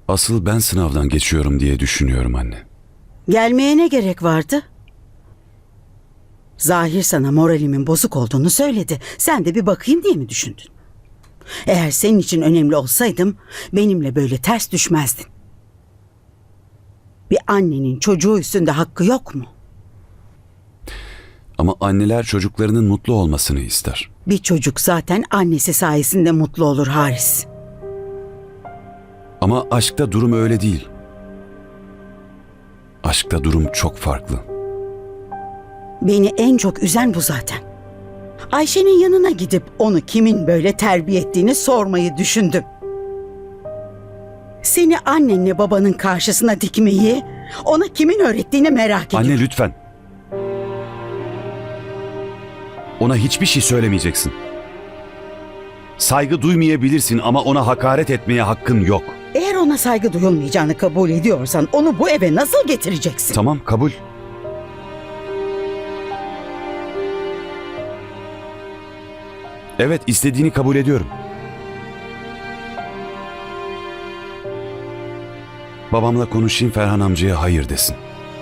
Asıl ben sınavdan geçiyorum diye düşünüyorum anne. Gelmeye ne gerek vardı? Zahir sana moralimin bozuk olduğunu söyledi. Sen de bir bakayım diye mi düşündün? Eğer senin için önemli olsaydım benimle böyle ters düşmezdin. Bir annenin çocuğu üstünde hakkı yok mu? Ama anneler çocuklarının mutlu olmasını ister. Bir çocuk zaten annesi sayesinde mutlu olur Haris. Ama aşkta durum öyle değil. Aşkta durum çok farklı. Beni en çok üzen bu zaten. Ayşe'nin yanına gidip onu kimin böyle terbiye ettiğini sormayı düşündüm. Seni annenle babanın karşısına dikmeyi, ona kimin öğrettiğini merak ediyorum. Anne lütfen. Ona hiçbir şey söylemeyeceksin. Saygı duymayabilirsin ama ona hakaret etmeye hakkın yok. Eğer ona saygı duyulmayacağını kabul ediyorsan onu bu eve nasıl getireceksin? Tamam, kabul. Evet, istediğini kabul ediyorum. Babamla konuşayım, Ferhan amcaya hayır desin.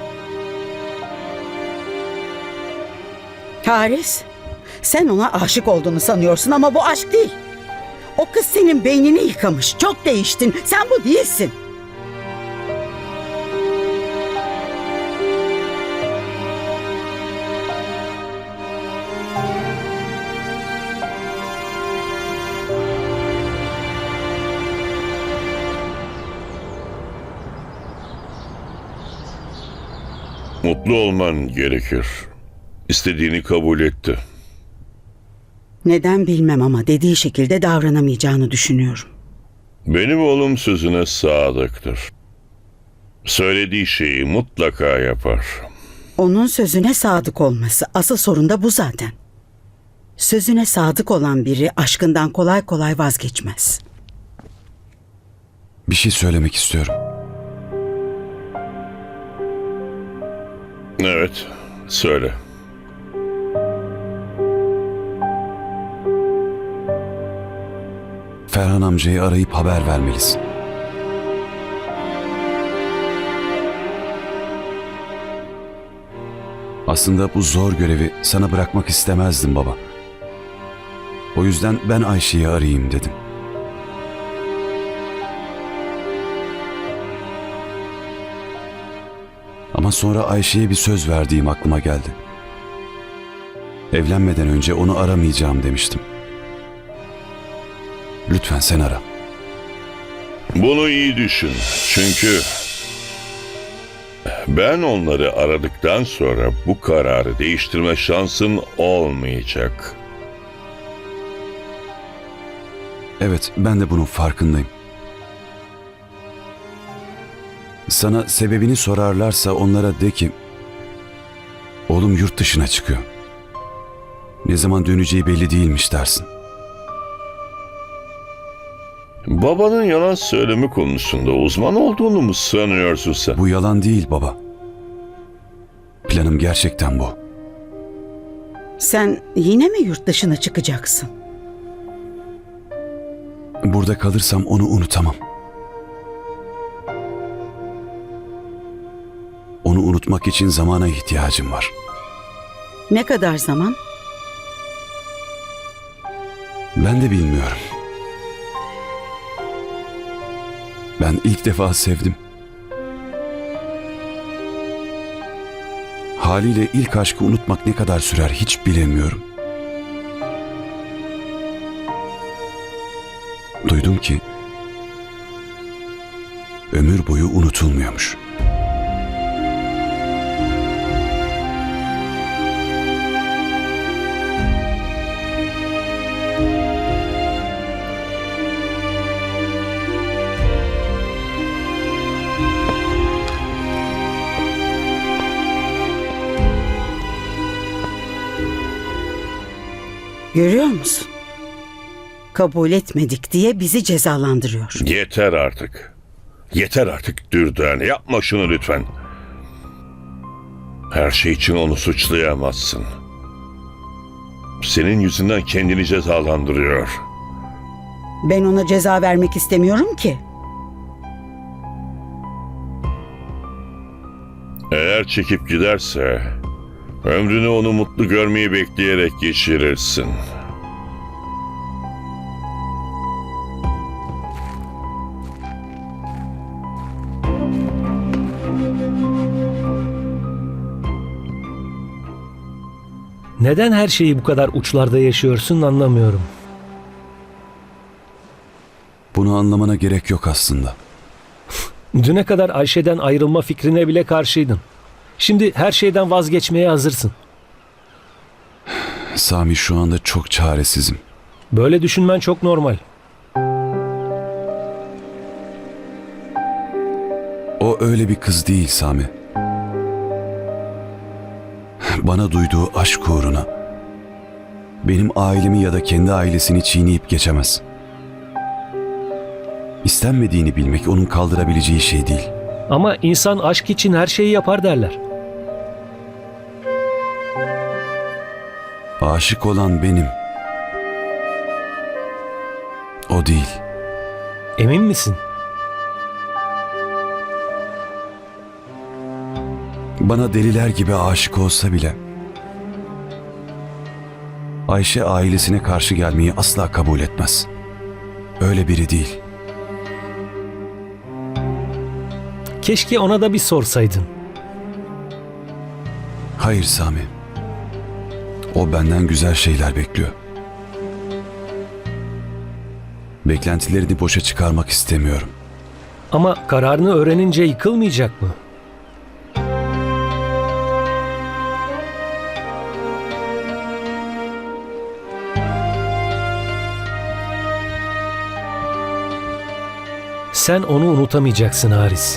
Haris, sen ona aşık olduğunu sanıyorsun ama bu aşk değil. O kız senin beynini yıkamış. Çok değiştin. Sen bu değilsin. Mutlu olman gerekir. İstediğini kabul etti. Neden bilmem ama dediği şekilde davranamayacağını düşünüyorum. Benim oğlum sözüne sadıktır. Söylediği şeyi mutlaka yapar. Onun sözüne sadık olması. Asıl sorun da bu zaten. Sözüne sadık olan biri aşkından kolay kolay vazgeçmez. Bir şey söylemek istiyorum. Evet, söyle. Ferhan amcayı arayıp haber vermelisin. Aslında bu zor görevi sana bırakmak istemezdim baba. O yüzden ben Ayşe'yi arayayım dedim. Ama sonra Ayşe'ye bir söz verdiğim aklıma geldi. Evlenmeden önce onu aramayacağım demiştim. Lütfen sen ara. Bunu iyi düşün. Çünkü ben onları aradıktan sonra bu kararı değiştirme şansın olmayacak. Evet, ben de bunun farkındayım. Sana sebebini sorarlarsa onlara de ki oğlum yurt dışına çıkıyor. Ne zaman döneceği belli değilmiş dersin. Babanın yalan söyleme konusunda uzman olduğunu mu sanıyorsun sen? Bu yalan değil baba. Planım gerçekten bu. Sen yine mi yurt dışına çıkacaksın? Burada kalırsam onu unutamam. Onu unutmak için zamana ihtiyacım var. Ne kadar zaman? Ben de bilmiyorum. Ben ilk defa sevdim. Haliyle ilk aşkı unutmak ne kadar sürer hiç bilemiyorum. Duydum ki ömür boyu unutulmuyormuş. Görüyor musun? Kabul etmedik diye bizi cezalandırıyor. Yeter artık. Yeter artık Dürdane. Yapma şunu lütfen. Her şey için onu suçlayamazsın. Senin yüzünden kendini cezalandırıyor. Ben ona ceza vermek istemiyorum ki. eğer çekip giderse ömrünü onu mutlu görmeyi bekleyerek geçirirsin. Neden her şeyi bu kadar uçlarda yaşıyorsun anlamıyorum. Bunu anlamana gerek yok aslında. Düne kadar Ayşe'den ayrılma fikrine bile karşıydın. Şimdi her şeyden vazgeçmeye hazırsın. Sami, şu anda çok çaresizim. Böyle düşünmen çok normal. O öyle bir kız değil Sami. Bana duyduğu aşk uğruna benim ailemi ya da kendi ailesini çiğneyip geçemez. İstenmediğini bilmek onun kaldırabileceği şey değil. Ama insan aşk için her şeyi yapar derler. Aşık olan benim. O değil. Emin misin? Bana deliler gibi aşık olsa bile Ayşe ailesine karşı gelmeyi asla kabul etmez. Öyle biri değil. Keşke ona da bir sorsaydın. Hayır Sami. O benden güzel şeyler bekliyor. Beklentilerini boşa çıkarmak istemiyorum. Ama kararını öğrenince yıkılmayacak mı? Sen onu unutamayacaksın Haris.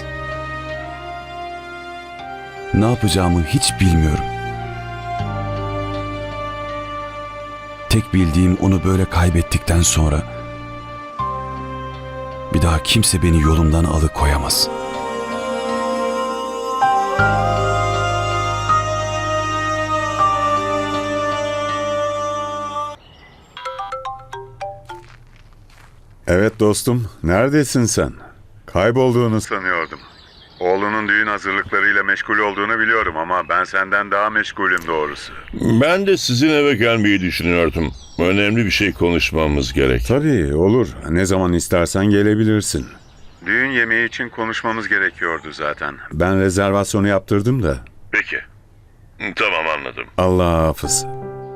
Ne yapacağımı hiç bilmiyorum. Tek bildiğim, onu böyle kaybettikten sonra bir daha kimse beni yolumdan alıkoyamaz. Evet dostum, neredesin sen? Kaybolduğunu sanıyordum. Oğlunun düğün hazırlıklarıyla meşgul olduğunu biliyorum ama ben senden daha meşgulüm doğrusu. Ben de sizin eve gelmeyi düşünüyordum. Önemli bir şey konuşmamız gerek. Tabii olur, ne zaman istersen gelebilirsin. Düğün yemeği için konuşmamız gerekiyordu zaten. Ben rezervasyonu yaptırdım da. Peki. Tamam, anladım. Allah hafız.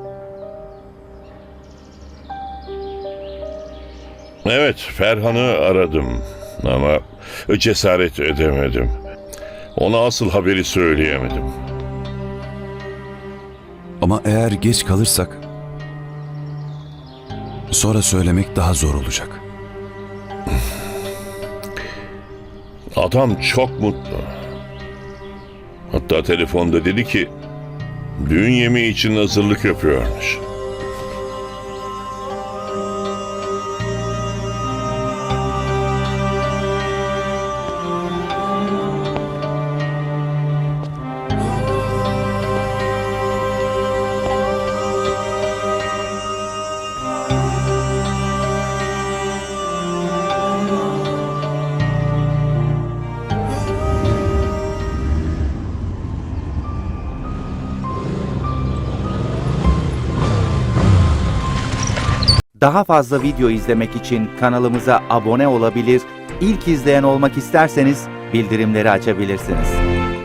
Evet, Ferhan'ı aradım ama cesaret edemedim. Ona asıl haberi söyleyemedim. Ama eğer geç kalırsak sonra söylemek daha zor olacak. Adam çok mutlu. Hatta telefonda dedi ki düğün yemeği için hazırlık yapıyormuş. Daha fazla video izlemek için kanalımıza abone olabilir, ilk izleyen olmak isterseniz bildirimleri açabilirsiniz.